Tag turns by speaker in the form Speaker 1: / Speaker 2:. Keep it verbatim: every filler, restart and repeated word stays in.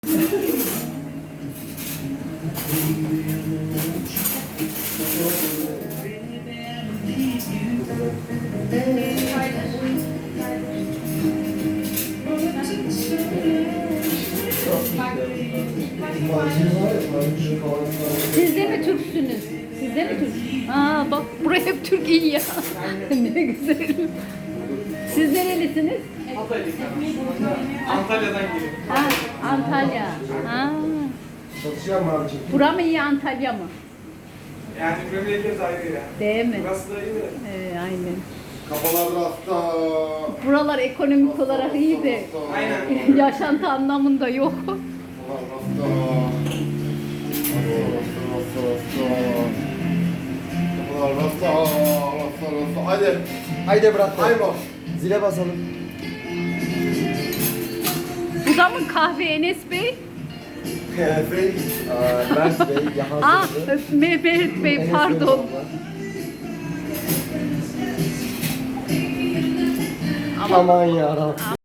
Speaker 1: Siz de mi Türksünüz? Siz de mi Türk? Aa bak buraya hep Türk iyi ya. Ne güzel. Siz nerelisiniz?
Speaker 2: Antalya'dan geliyorum.
Speaker 1: Ha, Antalya. Ha.
Speaker 3: Çalışıyor mu abicim?
Speaker 1: Bura mı iyi Antalya mı?
Speaker 2: Yani memleket ayrı ya.
Speaker 1: Değil mi?
Speaker 2: Burası da iyi de.
Speaker 1: Ee, aynen.
Speaker 3: Kafalar rafta.
Speaker 1: Buralar ekonomik olarak iyi de
Speaker 2: Aynen.
Speaker 1: yaşantı anlamında yok.
Speaker 3: Kafalar rafta. Rafta, rafta, rafta. Kafalar rafta, rafta, rafta. Hadi.
Speaker 4: Haydi bırak.
Speaker 3: Haymo.
Speaker 4: Zile basalım.
Speaker 1: Bu da mı kahve Enes Bey?
Speaker 3: Bey.
Speaker 4: Aa, Mert Bey, Yahan
Speaker 1: Ah
Speaker 4: Sözü.
Speaker 1: Mehmet Bey
Speaker 4: Enes
Speaker 1: pardon.
Speaker 4: Bey.
Speaker 1: Ama
Speaker 4: Aman yarabbim.